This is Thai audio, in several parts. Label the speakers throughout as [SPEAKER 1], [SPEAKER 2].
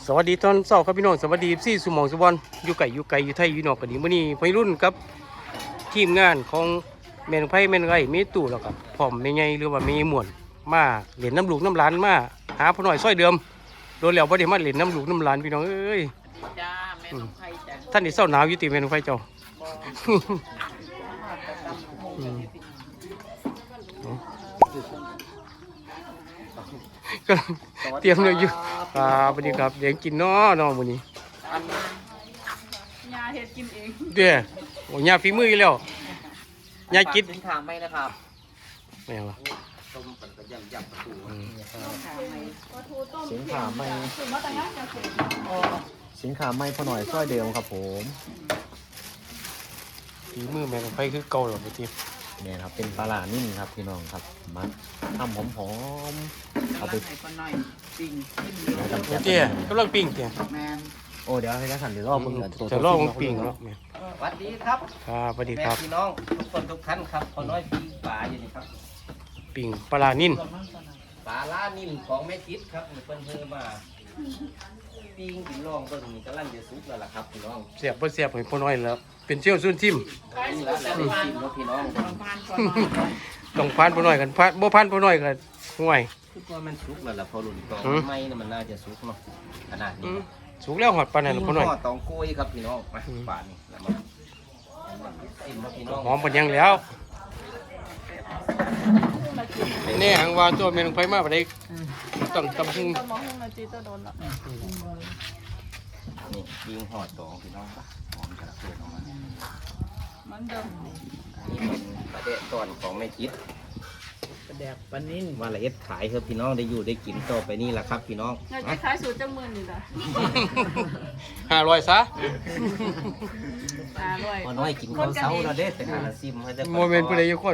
[SPEAKER 1] สวัสดีตอนเช้าครับพี่น้องสวัสดีซี่สุหมองสุบอนอยู่ไก่อยู่ไทยอยู่นอกกันดีมื้อนี้วัยรุ่นกับทีมงานของแม่นไผแม่นไร่มีตู่แล้วก็พร้อมแม่ใหญ่หรือว่าแม่ม่วนมาเล่นน้ำลูกน้ำหลานมาหาพ่อน้อยซอยเดิมโดนแล้วบ่ได้มาเล่นน้ำลูกน้ำหลานพี่น้องเอ้ย
[SPEAKER 2] จ้าแม่น้องไผ่จ้า
[SPEAKER 1] ท่านนี่เศร้าหนาวอยู่ติแม่นไผเจ้าก็เตรียมเลยอยู่สวัสดีครับเดี๋ยวกินน้อมื้อนี้
[SPEAKER 2] ยาเฮ็ดกินเอง
[SPEAKER 1] เด้อโอ้ยาฝีมืออยู่แล้วยากิน
[SPEAKER 2] สินค้าไหมนะครับ
[SPEAKER 1] แม่วะ
[SPEAKER 2] ต้มปันกระยำประตู
[SPEAKER 3] สินค้าไม่สินค้าไม่พอหน่อยซอยเดิมครับผม
[SPEAKER 1] ฝีมือแม่ไฟคือเก่าหรอพี่ที
[SPEAKER 3] เนี่ยครับเป็นปลาหลานิ่มครับพี่น้องครับมาทำหอมๆเอาไป
[SPEAKER 2] หน่อยปิ้ง
[SPEAKER 1] เตี้ยกำลังปิ้งเตี้ย
[SPEAKER 2] แมน
[SPEAKER 3] โอ้เดี๋ยวให้ท่านเดี๋ยวรอบมึง
[SPEAKER 1] จะรอบมึงปิ้งเนาะแม่
[SPEAKER 2] สวัสดีครับ
[SPEAKER 1] ครับสวัสดีครับ
[SPEAKER 2] พี่น้องทุกคนทุกท่านครับพอน้อยปิ้งปลาอยู่นี่ครับ
[SPEAKER 1] ปิ้งปลานิ่ม
[SPEAKER 2] ปลาล่านิ่มของแม่คิดครับเพิ่นเพิ่มมาปิ้งกินลองเบิ่งนี่กำลังจะสุกแล้วล่ะครับพี่น้อง
[SPEAKER 1] เสียบบ่เสียบให้พ่อน้อยแล้วเป็นเชี่ยวซุ่นทิ่ม
[SPEAKER 2] นี่ละแล้วได้ชิมแล้วพี่น้อง
[SPEAKER 1] ต้องพานพ่อน้อยกันพานบ่พานพ่อน้อยกันห่วย
[SPEAKER 2] คือว่ามันสุกแล้วล่ะพอรุ่นต่อไม่น่ะมันน่าจะสุกเนาะขนาดนี้
[SPEAKER 1] สุกแล้วหอดปานนั้นพ่อน้อย
[SPEAKER 2] ตองกล้วยครับพี่น้องมาป่านนี่แล้วมาชิมมาพี่น้อง
[SPEAKER 1] หอมปานยังแล้วนี่หังว่าตัวแม่นไฟมาบ่ได้ต้องตำหุง
[SPEAKER 2] นี่ยิงหอดตองพี่น้องปะหอมจะเกิดออกมามันเดิมนี่เป็นประเดะตอนของแม่คิด
[SPEAKER 4] ประแดกปานิ่น
[SPEAKER 2] ว่าละเอียดขายครับพี่น้องได้อยู่ได้กินต่อไปนี่แหละครับพี่น้อง
[SPEAKER 4] อยากจะขายสูตรจังมือนี่ล่ะ
[SPEAKER 1] 500ซะ
[SPEAKER 2] พอน้อยกินข้าวเช้าเราเด้แต่หาซิมให้ได้
[SPEAKER 1] โมเมนต์ผู้ใดอยู่คน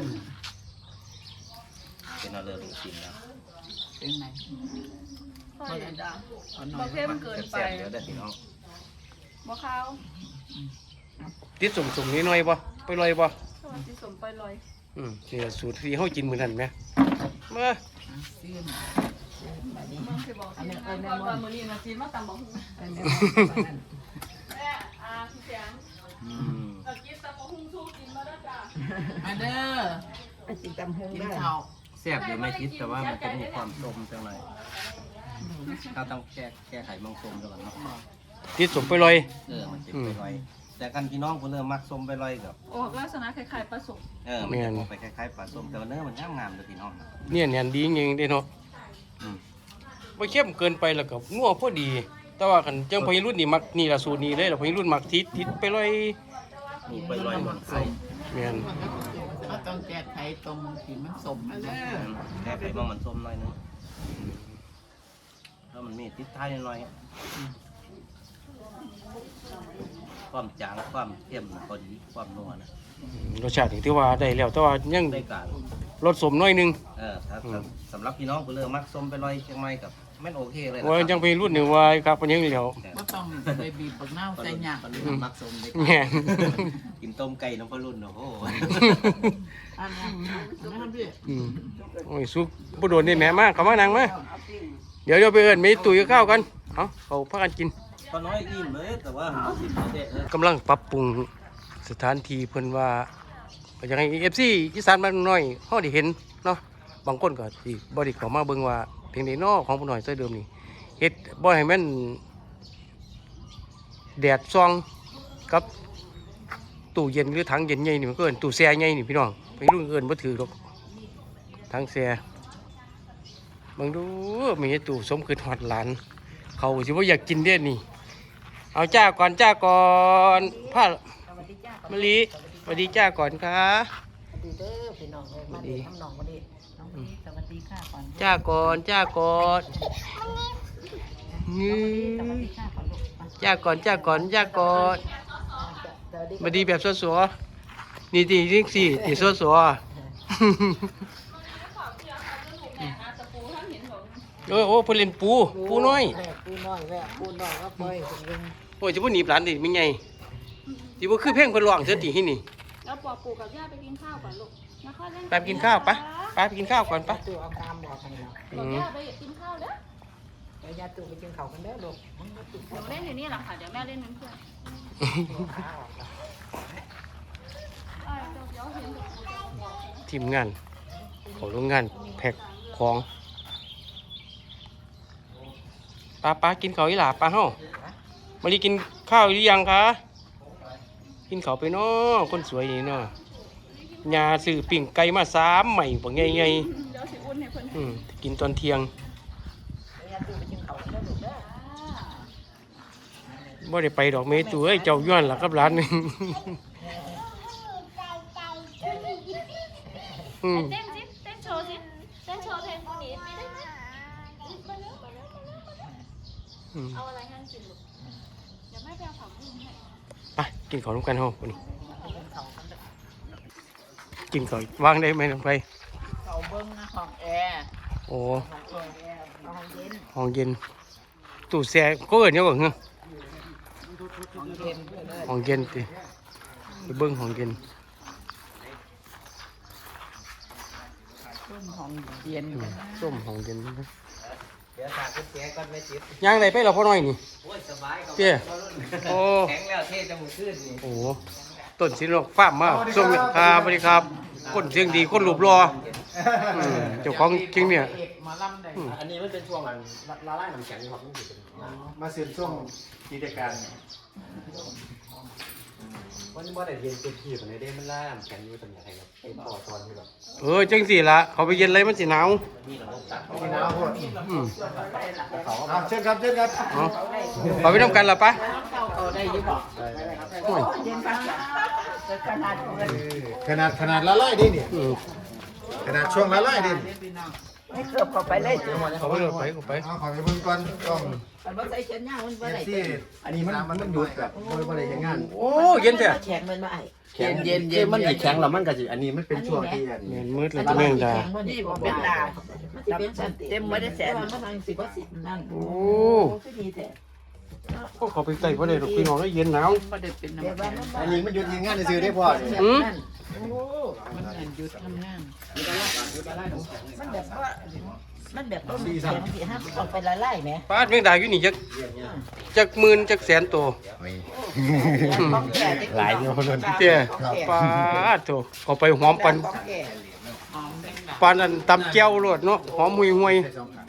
[SPEAKER 2] เป็นเอาเลยกินแล้ว
[SPEAKER 4] เป็นไง
[SPEAKER 2] บางเทมันเกินไปเดี๋ยวได้พี่น้อง
[SPEAKER 4] บ่ข้าว
[SPEAKER 1] ติดสุ่มๆนิดหน่อยบ่ไปลอยบ่
[SPEAKER 4] ติดสุ่มไปลอย
[SPEAKER 1] นี่สูตรที่เฮากินมื้อนั้นแหมมา
[SPEAKER 4] ซีนมันสิบอกซีนก่อนว่ามื้อนี้นะซีนมาตำบักหุ่งแม่พี่แสงกินตำบักหุ่งสู้กินมาแล้วจ้ะมาเด้อกินตำหุ่งกินข้าว
[SPEAKER 2] แซ่บเดี๋ยวไม่คิดแต่ว่ามันจะมีความส้มจังหน่อยถ้าต้องแก้ไขบางส้มก่อนเนาะ
[SPEAKER 1] ติดสุ่มไปลอย
[SPEAKER 2] มันจะไปลอยแต่กันพี่น้องคนเริ่มมักส้มไปลอยกับ
[SPEAKER 4] ออกลักษณะคล้ายๆปลาส้ม
[SPEAKER 2] มันจะออกไปคล้ายๆปลาส้มแต่ว่าเนื้อมันงามเลยพี่น้อง
[SPEAKER 1] เนี่ยดีจริงๆเด้เนาะบ่เข้มเกินไปแล้วก็นัวพอดีแต่ว่าคันจังพยรุ่นนี่มักนี่ล่ะสูตรนี้เลยแล้วพยรุ่นมักติดไปลอย
[SPEAKER 2] นี่ไปลอยมันใส่
[SPEAKER 1] แม่น
[SPEAKER 4] ก็ต้องแก้ไขตรงที่มันส้มมาแล้ว
[SPEAKER 2] แก้ไขว่ามันส้มหน่อยนึงถ้ามันมีติดท้ายหน่อยความจางความเข้มพอดีความนัวนะ
[SPEAKER 1] รสชาติที่ว่าได้แล้วแต่ว่ายัง
[SPEAKER 2] ได้การ
[SPEAKER 1] รสสมน้อยนึง
[SPEAKER 2] ถ้าสำหรับพี่น้องคนเริ่มมักส้มไปลอยเชียงใหม่กับไม่โอเคเลย
[SPEAKER 1] ว่าจังไปรุ่นนี่ว่าครับมันยังเหลียว
[SPEAKER 4] บ่ต้องไปบีบบักนาวใส่หยา
[SPEAKER 2] บมักส้มได้กินต้มไก่น้ำพะรุ่นโอ้โห
[SPEAKER 1] โอ้ยซุปบ่โดนนี่แม่มาเข้ามานั่งมาเดี๋ยวไปเอิ้นมีตุ๋ยข้าวกันเขาพากันกิน
[SPEAKER 2] พอน้อยอิ่มเลยแต่ว่
[SPEAKER 1] ากำลังปรับปรุงสถานที่เพิ่นว่าอย่างไรFCอีสานบ้านน้อยเฮาได้เห็นเนาะบางคนก็สิบ่ได้เข้ามาเบิ่งว่าเพียงใดน้อของผู้น้อยซอยเดิมนี่เฮ็ดบ่ให้มันแดดส่องกับตู้เย็นหรือถังเย็นใหญ่นี่มันก็เอิ้นตู้แช่ใหญ่นี่พี่น้องไปรุ่นเอิ้นบ่ถือหรอกถังแช่เบิ่งดูมีตู้สมคือฮอดหลานเขาสิบ่อยากกินเด้นี่เอาจ้าก่อนผ้ามะลิสวัสดีจ้าก่อนค่ะ
[SPEAKER 4] สวัสดีเด้อพี่น้องเลยมาดีน้องมาดีน้องพีสวัสดีค่ะก่อน
[SPEAKER 1] จ้าก่อนจ้าก่อนจ้าก่อนมาดีแบบสวยๆนี่จริงสินี่สวยๆโอ้เพิ่นเล่นปูน้อยโอ้ยจะพูดหนีบหลานดิมิไงที่ว่าคือเพ่งคนร้องเสียทีที่นี่
[SPEAKER 4] แล้วปอปู่กับย่าไปกินข้าวก่อนลูก
[SPEAKER 1] ไปกินข้าวปะไปกินข้าวก่อนปะ
[SPEAKER 4] ปู่เอาตามบอกกันแล้วย่าไปกินข้าวเด้อดี๋ยวยาตู่ไปกินข้าวกันเด้อลูก
[SPEAKER 5] หนูเล่นอยู่นี่แหละค่ะ เดี๋ยวแม่เล่นเป็นเพื่อนเดี๋ยวเห็น
[SPEAKER 1] ทีมงานของโรงงานแพ็คของป้ากินข้าวอีหล่าป้าเฮามารีกินข้าวหรือยังคะกินข้าวไปเนาะคนสวยนี่เนาะยาซื้อปิ่งไก่มา3ใหม่บ่ไง
[SPEAKER 5] เดี๋ยวสิอุ่นให้เพิ่น
[SPEAKER 1] กินตอนเที่ยง
[SPEAKER 4] ยาตู่ไปกินข้าวกันเด้อลูกเด้อ
[SPEAKER 1] บ่ได้ไปดอกเมตุเอ้ยเจ้าย้อนล่ะครับร้านนี่อืม
[SPEAKER 5] เต้นสิเต้นโชว์สิเต้นโชว์เพลงคนนี้ไม่ได้ไหมเอาอะไรให้กินลูกเดี๋ยวแม่ไปเอาผักบุ้งให้
[SPEAKER 1] ไปกินข้าวร่วมกันเฮาวันนี้กินข้าววางได้ไหมลงไป
[SPEAKER 4] เขาเบิ้งนะห้องแอร์
[SPEAKER 1] โอ้
[SPEAKER 4] ห้องแอร์ห้องเย็น
[SPEAKER 1] ห้องเย็นตู้แช่ก็เอิ้นหยังบ่เหรอ
[SPEAKER 4] ห้องเย็นเพื่อนเลย
[SPEAKER 1] ห้องเย็นติไปเบิ่งห้องเย็น
[SPEAKER 4] ต้มห้องเย็นกันนะ
[SPEAKER 1] ส้มห้องเย็น
[SPEAKER 2] เดี๋ยวถากคุณแจก่อนไม่จิบ
[SPEAKER 1] ย่างได้ไปแล้วพ่อน้อยนี่
[SPEAKER 2] โอ้ยสบายครับ
[SPEAKER 1] เจ้โอ้
[SPEAKER 2] แข็งแล้วเท่จมูกขึ้นนี่
[SPEAKER 1] โอ้ต้นสินโลกฟาร์มมาส้มครับสวัสดีครับคนเสียงดีคนรูปรอเจ้าของจริงเนี่ย
[SPEAKER 4] เอกมาล่ำได้
[SPEAKER 3] อันนี้มันเป็นช่วงอันละลายน้ำแข็งครับมันสิเป็น
[SPEAKER 6] มาเสียนช่วงกิจการ
[SPEAKER 3] มันบ่ได้เย็นเต็มที่ปานใดเด้มันละลายน้ำแข็งอยู่ตรงไหนครับไอ้ต่อตอนที่แบบ
[SPEAKER 1] จังสิล่ะเขาไปเย็นอะไรมันสิหนาว
[SPEAKER 2] มีระบบตัด
[SPEAKER 6] ที่น้ำพวก
[SPEAKER 1] อืม
[SPEAKER 6] เชิญครับเชิญครับ
[SPEAKER 1] เอาขอไปน้ำกันล่ะปะ
[SPEAKER 4] เข้าได้อยี่บอก
[SPEAKER 1] โอ้ย
[SPEAKER 4] เย็นปะจะขนาดเงิน
[SPEAKER 6] ขนาดละลายดิเนี่ย
[SPEAKER 1] อืม
[SPEAKER 6] ขนาดช่วงละลายดิ
[SPEAKER 4] ไม่เกือบเข้าไปเลยจ้ะ
[SPEAKER 1] เขาไปเลยไป
[SPEAKER 6] เอาขอไปเบิ่งก่อนต้อง
[SPEAKER 4] มันบ่ใส่เชิ้นย่างมันบ่
[SPEAKER 6] เอฟ
[SPEAKER 4] ได้
[SPEAKER 6] ซีอันนี้มันหยุดแบบบ่ได้ยังงาน
[SPEAKER 1] โอ้เย็นแท้
[SPEAKER 4] แข็งมันมาไอ้
[SPEAKER 3] เย็นมันสิแข็งแล้วมันก็สิอันนี้มันเป็นช่วงที่
[SPEAKER 1] แม่นมืดเลยจะแม่งดา
[SPEAKER 4] นี่บ่เป็นดาเต็มบ่ได้แสนมันทาง10 10นั่น
[SPEAKER 1] โอ้
[SPEAKER 4] คือดีแท้
[SPEAKER 1] พวกเขาไปใส่บ่ได้ดอกพี่น้องได้เย็นหนาว
[SPEAKER 4] บ่ได้เป็นน้ำแข็ง
[SPEAKER 6] อันนี้มันหยุดยังงานซื้อได้พอเนี่ย
[SPEAKER 1] อืม
[SPEAKER 4] โอ้มันเงินหยุดทำงานมันแบบว่ามันแบบต้มแข็งสิฮะออกไปละลายแหม
[SPEAKER 1] ปาดแม่งดาอยู่นี่จักหมื่นจักแสนตัว
[SPEAKER 6] หลายอยู่นั่น
[SPEAKER 1] เจ้ปาดโถเอาไปหอมปันปันอันตำแก้วโลดเนาะหอมหุยหวย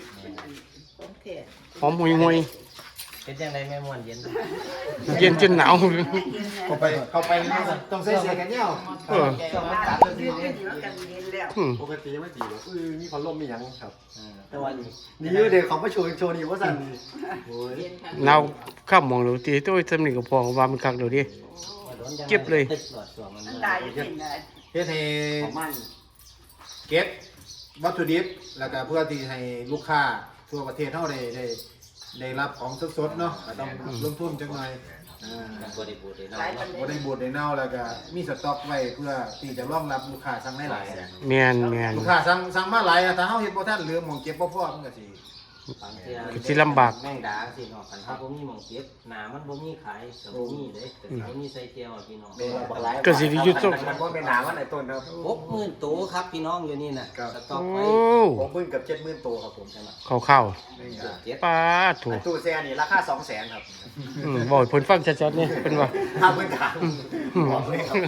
[SPEAKER 1] หอมหุยหวย
[SPEAKER 2] เป็นยังไงแม่ม่วนเย็น
[SPEAKER 1] เย็นจนหนาว
[SPEAKER 6] เข้าไปต้องใส่เสื้อกันเหนียว
[SPEAKER 1] เออ
[SPEAKER 2] ช่วงมันตัดเลยสิ
[SPEAKER 1] อืม
[SPEAKER 3] ปกติไม่ตีหรอกมีพัดลมมีหยังครับ
[SPEAKER 2] แต่ว่านี่
[SPEAKER 6] นี่เด็กของประโชว์นี่ว่าสั่นโอ้ย
[SPEAKER 1] หนาวข้ามมองดูตีตัวสำนึกกับพอว่ามันคักเดี๋ยวดิ เก็บเลย
[SPEAKER 6] เฮ็ดให้เก็บวัตถุดิบแล้วก็เพื่อที่ให้ลูกค้าทั่วประเทศเฮาได้รับของสดๆเนาะก็ต้องลงทุนจังหน่อย
[SPEAKER 2] บริบูรณ์เลยเนาะ
[SPEAKER 6] บ่ได้บูดได้เน่าแล้วก็มีสต็อกไว้เพื่อที่จะรองรับลูกค้าสั่งได้หลาย
[SPEAKER 1] แม่น
[SPEAKER 6] ลูกค้าสั่งมาหลายถ้าเฮาเฮ็ดบ่ทันเหลือหม่องเก็บบ่พอมันก็สิ
[SPEAKER 2] บางเทื่อ
[SPEAKER 1] สิลำบาก
[SPEAKER 2] แม่งดาสิเนาะคันถ้าบ่มีหม่องเก็บหน้ามันบ่มีขายก็บ่มีเด้แต่บ่มีใส่เจียวอะพี่น้อง
[SPEAKER 1] ก็สิได้หยุดส่ง
[SPEAKER 6] มันบ่เป็นหนาวันไหนต้นครับ
[SPEAKER 2] 60,000ตัวครับพี่น้องอยู่นี่น่ะสต็อก
[SPEAKER 1] โอ้
[SPEAKER 2] ไว้
[SPEAKER 6] 60,000กับ70,000ตัวครับผมใช่มั้ย
[SPEAKER 1] เข้า
[SPEAKER 2] เจ็ด
[SPEAKER 1] ๆปาดโถ
[SPEAKER 6] ตู้แซ่นี่ราคา 200,000ครับ
[SPEAKER 1] บอกให้เพิ่นฟังชัดๆนี่เพิ่นว่า
[SPEAKER 6] ถ้าเพิ่นถาม
[SPEAKER 2] บอกเลยครับ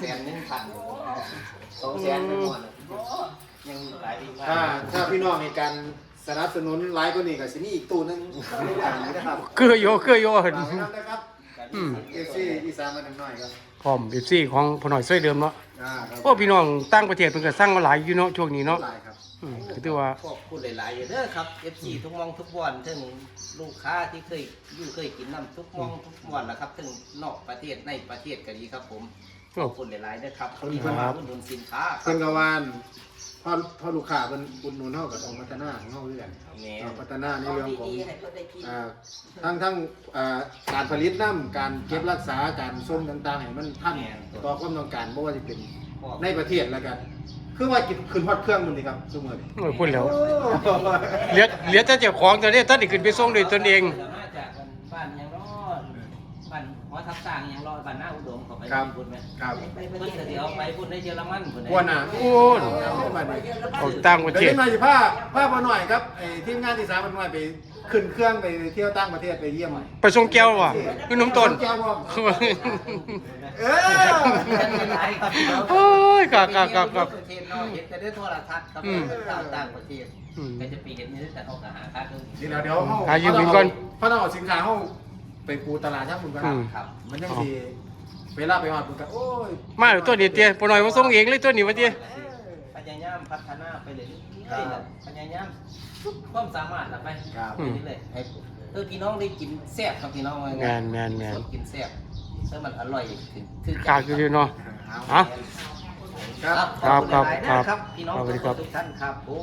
[SPEAKER 2] 200,000ไม่หมดยังขายดีมาก
[SPEAKER 6] ถ้าพี่น้องในการสนับสนุนหลายกว่านี้ก็สิมีอีกตู้นึงในทางนี้นะครับ
[SPEAKER 1] เกลือโยเห็น
[SPEAKER 6] นะครับ
[SPEAKER 1] อืม
[SPEAKER 6] FC อีสานมาหน่อยครับ
[SPEAKER 1] พร้อม FC ของพ่อหน่อยช่วยเดิมเนาะ
[SPEAKER 6] ครับ
[SPEAKER 1] พวกพี่น้องต่างประเทศเพิ่นก็สร้างมาหลายอยู่เนาะช่วงนี้เนาะ
[SPEAKER 6] หลายครับ
[SPEAKER 1] ก็ถือว่า
[SPEAKER 2] ขอบคุณหลายๆเด้อครับ FC ทุกมองทุกวันถึงลูกค้าที่เคยกินน้ำทุกมองทุกวันนะครับถึงนอกประเทศในประเทศก็ดีครับผมขอบคุณหลายๆเด้อครับที่มาอุดหนุนสินค้าครั
[SPEAKER 6] เพิ่
[SPEAKER 2] บ
[SPEAKER 6] นก็วานพอลูกค้าเพิ่นอุดหนุนเฮาก็ต้องพัฒนาของเฮาด้วยกัน
[SPEAKER 2] แม่
[SPEAKER 6] พัฒนาในเรื่องของทั้งการผลิตน้ำการเก็บรักษาการส่งต่างๆให้มันทันต่อความต้องการบ่ว่าจะเป็นในประเทศแล้วกันคือว่าขึ้นฮอดเครื่องมันนี่ครับซุมื้อนี้
[SPEAKER 1] โอ้ยพูดแล้วเหลือแต่เจ้าของตอนนี้ท่านได้ขึ้นไปส่งด้วยตนเอง
[SPEAKER 2] มาจากบ้านยังรอดบ้านหัวทับสร้างยังรอดบ้านหน้าอุดมเขาไปบุญไหม
[SPEAKER 6] ครับ
[SPEAKER 2] เพิ่นก็เดี๋ยวไปบุญในเยอรมันบุญ
[SPEAKER 6] กวนน่ะ
[SPEAKER 1] โอ้ย
[SPEAKER 6] บัดนี้
[SPEAKER 1] ออกต่างประเท
[SPEAKER 6] เดี๋ย
[SPEAKER 1] ศ
[SPEAKER 6] วหน่อยสิพาบ่หน่อยครับไอ้ทีมงานที่3บ่หน่อยไปขึ้นเครื่องไปเที่ยวต่างประเทศไปเยี่ยม
[SPEAKER 1] ไปส่งแก้วว่ะคือน้ำต้น
[SPEAKER 6] แก้วบ่เออ
[SPEAKER 1] โอ้ยกะ
[SPEAKER 2] ประเทศนอกเห็นแต่ได้โทรทัศน์ครับต่างประเทศก็จะไปเห็นนี่แต่เขาก็หาค่าเครื่อง
[SPEAKER 6] เดี๋ยวเฮา
[SPEAKER 1] หายืมบินก่อน
[SPEAKER 6] เพราะเราเอาสินค้าเฮาไปปูตลาดทั้งหมดกัน
[SPEAKER 2] ครับ
[SPEAKER 6] มันยังสิเวลาไปฮอดมันก็โอ้ย
[SPEAKER 1] มาเดี๋ยวตัวนี้เตี้ยปหน่อยมาส่งเองเลยตัวนี้วะเตี้ย
[SPEAKER 2] พยายามพัฒนาไปเลยพยายามทุกความสามารถละไปไปเรื่อยๆให้พี่น้องได้กินแซ่บครับพี่น้อง
[SPEAKER 1] แมน
[SPEAKER 2] กินแซ่บเพื่อมันอร่อยถึง
[SPEAKER 1] กากอยู่เนาะอ่ะ
[SPEAKER 6] ครับ
[SPEAKER 2] ครับพี่น้องทุกท่านครับผม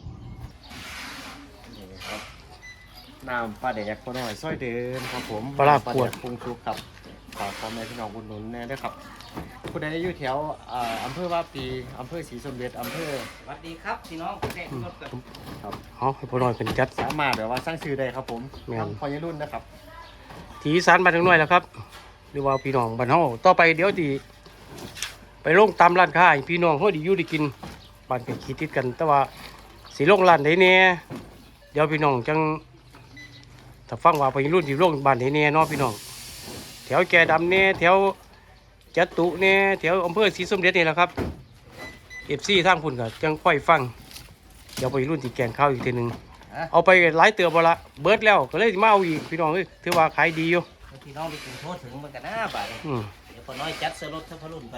[SPEAKER 3] น้ำปลาแดกพอหน่อยซอยเดินครับผม
[SPEAKER 1] ปลาร้าขวด
[SPEAKER 3] ปรุงชุบครับฝากพ่อแม่พี่น้องอุดหนุนแน่ด้วยครับผู้ใดอยู่แถวอำเภอว่าปีอำเภอศรีสมเด็จอำเภอ
[SPEAKER 2] สวัสดีครับพี่น้องแดกรถกัน
[SPEAKER 3] ครับ
[SPEAKER 1] เอาให้ปหน่อยเป็นจัด
[SPEAKER 3] สามารถแบบว่าสร้างชื่อได้ครับผม
[SPEAKER 1] แม่น
[SPEAKER 3] พอยรุ่นนะครับ
[SPEAKER 1] ทีสารบ้านทั้งหน่อยแล้วครับหรือว่าพี่น้องบ้านเฮาต่อไปเดี๋ยวสิไปลงตามร้านค้าให้พี่น้องเฮาได้อยู่ได้กินบ้านก็คิดติดกันแต่ว่าสิลงร้านใดแน่เดี๋ยวพี่น้องจังถ้าฟังว่าไปรุ่นสิลงบ้านใดแน่เนาะพี่น้องแถวแก่ดำแน่แถวจัตุแน่แถวอำเภอศรีสมเด็จนี่แหละครับ FC ทางพุ่นก็จังค่อยฟังเดี๋ยวไปรุ่นที่แกงข้าวอีกทีหนึงเอาไปหลายเตือบ่ละเบิดแล้วก็เลยมาเอาอีกพี่น้องเอ้ยถือว่าขายดีอยู่
[SPEAKER 2] พี่น้องได้กินโทษถึงมันกันหน้าบ่าย
[SPEAKER 1] อืม
[SPEAKER 2] เดี๋ยวพอน้อยจัดเสื้อรถเสื้อพรุ่นกัน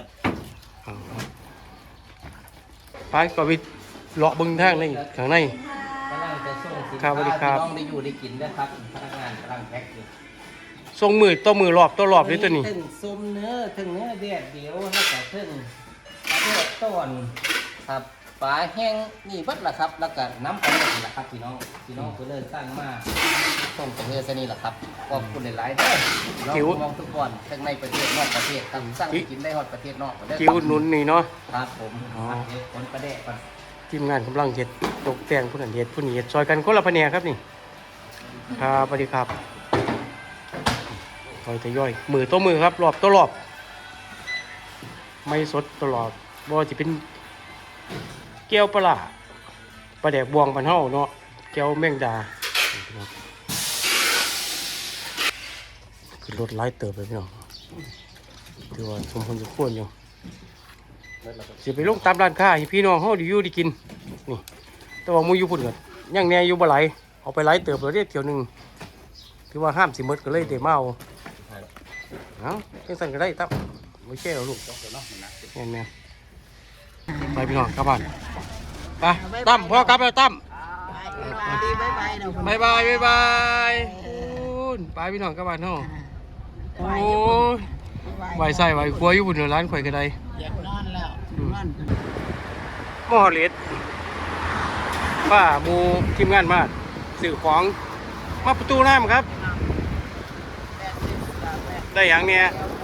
[SPEAKER 1] ไปก็ไปเลาะเบึงทางในข้างใน
[SPEAKER 2] กำลังจะส่งสิน
[SPEAKER 1] ครั
[SPEAKER 2] ค้า
[SPEAKER 1] บสวัสดีครับ
[SPEAKER 2] พี่น้องได้อยู่ได้กินนะครับพนักงานกำลังแพ็คอยู่
[SPEAKER 1] ส่งมือต่อมือรอบต่อรอบเลยตัวนี้
[SPEAKER 2] ถึงซุมเนื้อถึงเนื้อเดียดเดียวแล้วก็ถึงปลาเดือดต้นครับปลาแห้งนี่เบัดละครับ แล้วก็น้ำปลาเดือดละครับพี่น้องเพื่อเลิสร้างมาส่งไปเรือซะนี่แหละครับขอบคุณหลายๆเด้อน้องมองทุกคนทั้งในประเทศนอกประเทศครับสร้างกินได้ฮอดประเทศนอกได้
[SPEAKER 1] จิวหนุนนี่เนาะ
[SPEAKER 2] ครับผมเดี๋ยวคนประเดะก่อน
[SPEAKER 1] ทีมงานกำลังเห็ดตกแต่งผู้นั้นเห็ดผู้นี้เห็ดซอยกันคนละแผนกครับนี่ครับสวัสดีครับซอยทยอยมือต่อมือครับรอบต่อรอบไม่สดตลอดบ่ว่าจะเป็นแก้วปลาร้าปลาแดกบวงปันเฮาเนาะแก้วแมงดาคือรถไล่เติบเลยพี่น้องถือว่าสมควรอยู่สิไปลงตามร้านค้าให้พี่น้องเฮาได้อยู่ได้กินนี่แต่ว่าหมูอยู่พุ่นก็ยังแหน่อยู่บ่หลายเอาไปไล่เติบแล้วเด้เที่ยวหนึงถือว่าห้ามสิหมดก็เลยได้มาเอาจังซั่นก็ได้ตั้มบ่แช่หรอกลูกแม่นๆไปพี่น้องกลับบ้านไปตั้มพ่อกลับแล้วตั้ม
[SPEAKER 4] ดีบ๊ายบายเนาะ
[SPEAKER 1] บายบายบายคุณไปพี่น้องกลับบ้านเฮาโอ้ยไหวใส่ไหวครัวอยู่พุ่นเดี๋ยวร้านข่อยก็ได้
[SPEAKER 4] อยากนอนแล้วนอน
[SPEAKER 1] หม้อเล็ดป้าหมูทีมงานมาสื่อของมาประตูน้ำครับ ได้อย่างเนี้ย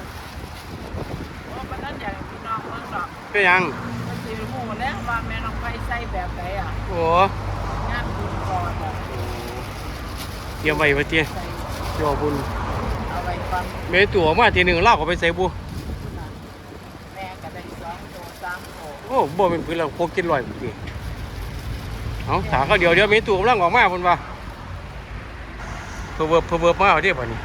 [SPEAKER 4] วันนั้นอยากพี่น้องเมืองดอก
[SPEAKER 1] เป็นหยัง
[SPEAKER 4] มันสิรู้หมดแล้วว่าแม่น้องไฟใส่แบบไหนอ่ะ
[SPEAKER 1] โอ้
[SPEAKER 4] งานบุญก่อนอ่ะ
[SPEAKER 1] เตรียมไว้ไว้เตี้ย
[SPEAKER 4] ใส่
[SPEAKER 1] เจ้าบุญ
[SPEAKER 4] เอาไว้ฟัง
[SPEAKER 1] เมตัวมาทีหนึ่งเล่าก็ไปใส่บุ
[SPEAKER 4] แม่ก็ได้2 ตัว 3 ตัว
[SPEAKER 1] โอ้บ่เป็นพื้นเราโคกินลอยพุ่นติเอาถาเขาเดี๋ยวเมตัวกำลังออกมาพุ่นว่าเพอเวิร์บมาเอาเด้ป่ะนี่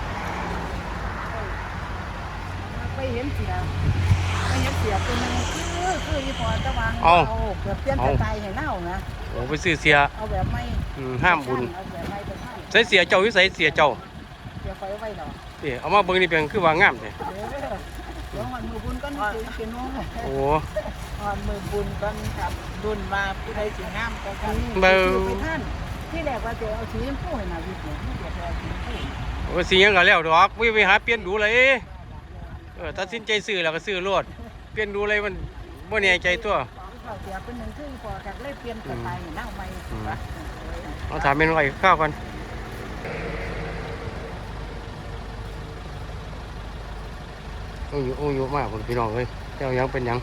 [SPEAKER 4] ไปเห็นเสียตัวนึงคืออีพอตะวันเกือบเปลี่ยนสไตล์ให้เน่านะ
[SPEAKER 1] โอ้ไปซื้อเสีย
[SPEAKER 4] เอาแบบไม่
[SPEAKER 1] ห้ามบุญ
[SPEAKER 4] เอาแบบไม่เป็นห้าม
[SPEAKER 1] ใส่เสียเจ้าอยู่ใส่เสียเจ้า
[SPEAKER 4] เดี๋ยวคอยเอาไว้ดอก
[SPEAKER 1] เดี๋ยวเอามาเบิ่งนี่เป็นคือว่างามเลย
[SPEAKER 4] เดี๋ยววันมือบุญก็นี่เป็นน้อง
[SPEAKER 1] โอ้
[SPEAKER 4] วันมือบุญก็ครับบุญมาผู้ใดสิงามก็กัน
[SPEAKER 1] เบา
[SPEAKER 4] ไปท่านที่แรกว่าจะเอาสีชมพูให้นาวิทย์เนี่ยที่เดี๋ยวเอาสีชมพู
[SPEAKER 1] โอ้สีหยังก็แล้วดอกไม่ไปหาเปลี่ยนดูเลยตัดสินใจซื้อแล้วก็ซื้อรถเปลี่ยนดูเลยมันบ่แน่ใจตัว
[SPEAKER 4] เขาเสียเป็นหนึ่งคือพอกันเลยเปลี่ยนสไตล์เน่าใหม่
[SPEAKER 1] เอาถามเมนูอะไรข้าวกันโอ้ยมากคนพี่น้องเลยเจ้ายังเป็นหยัง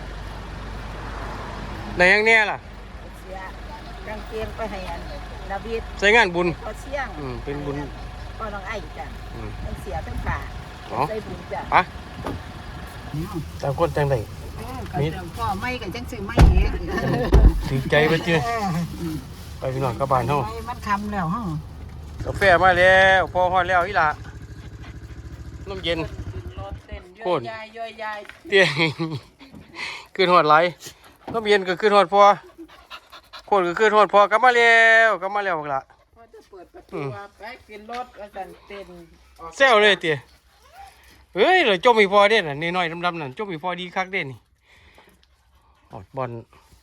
[SPEAKER 1] ในยังแน่ล่ะ
[SPEAKER 4] เสียกางเกงไปให้อันนาวิทย์
[SPEAKER 1] ใส่งานบุญ
[SPEAKER 4] ก็เสี่ยง
[SPEAKER 1] เป็นบุญ
[SPEAKER 4] ก็น้องไอ้จ้ะ
[SPEAKER 1] อืม
[SPEAKER 4] ทั้งเสียทั้งขาใส่บุญจ้ะ
[SPEAKER 1] ไปต่างคนต่างใด
[SPEAKER 4] นี่พ่อไม่กันจังซื้อไม่เอง
[SPEAKER 1] ถือใจไปเจ้ไปพี่น้องกลับบ้านเฮา
[SPEAKER 4] มันคำแล้วฮะ
[SPEAKER 1] กาแฟมาแล้วพอฮอดแล้วอีหล่ะน้ำเย็น
[SPEAKER 4] รถเต้น
[SPEAKER 1] โค
[SPEAKER 4] ย่อ
[SPEAKER 1] ตร
[SPEAKER 4] ยยายย่อยยาย
[SPEAKER 1] เตี้ย ขึ้นฮอดไหลน้ำเย็นก็ขึ้นฮอดพอโคตรก็ขึ้นฮอดพอกลับมาแล้วบักล่ะ
[SPEAKER 4] พอจะเปิดประตูว่าไปกินรถว่าสั่นเต้นออก
[SPEAKER 1] แซวเลยเตี้ยเฮ้ยเราจมอีพอเด่นน่ะน้อยๆดำๆนั่นจมอีพอดีคักเด่นนี่ออดบอล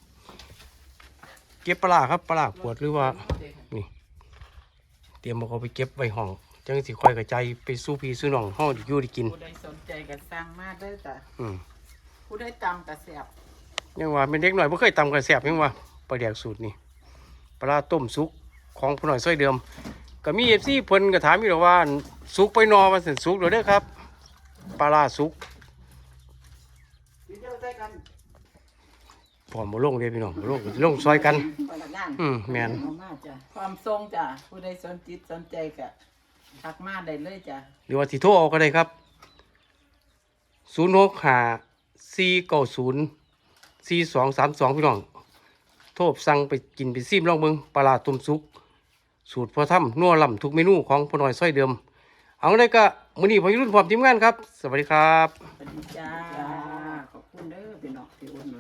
[SPEAKER 1] เก็บปลาครับปลาปวดหรือว่านี่เตรียมเอาไปเก็บไว้ห้องจังสิค่อยกระจายไปสู้พี่สู้น้องห้องอยู่ได้กิน
[SPEAKER 4] ผู้ใดสนใจก็สั่งมาเด้อจ้ะ
[SPEAKER 1] อืม
[SPEAKER 4] ผู้ใดตำก็แซ่บ
[SPEAKER 1] ยังว่าเป็นเด็กหน่อยไม่เคยตำกระแสบยังว่าปลาแดกสูตรนี่ปลาต้มสุกของผู้หน่อยซอยเดิมก็มีFCเพิ่นก็ถามอยู่แล้วว่าสุกไปนอมันสิสุกหรือเด้อครับปลาสุก
[SPEAKER 4] กินเดียวใส่กัน
[SPEAKER 1] พร้อมบ่ลงเด้พี่น้องบ่ลงซอยกัน
[SPEAKER 4] พนักงาน
[SPEAKER 1] แม่น
[SPEAKER 4] เอามาจ้ะความทรงจ้ะผู้ใดสนจิตสนใจก็ทักมาได้เลยจ้ะ
[SPEAKER 1] หรือว่าสิโทรเอาก็ได้ครับ0654904232พี่น้องโทรสั่งไปกินไปซิมลองเบิ่งปลาต้มสุกสูตรพอทำนัวล่ำทุกเมนูของพ่อน้อยซอยเดิมเอาได้ก็มื้อนี้พอรุ่นพร้อมทีมงานครับสวัสดีครับ
[SPEAKER 4] สวัสดีจ้าขอบคุณเด้อพี่น้องที่อุ่นหนุน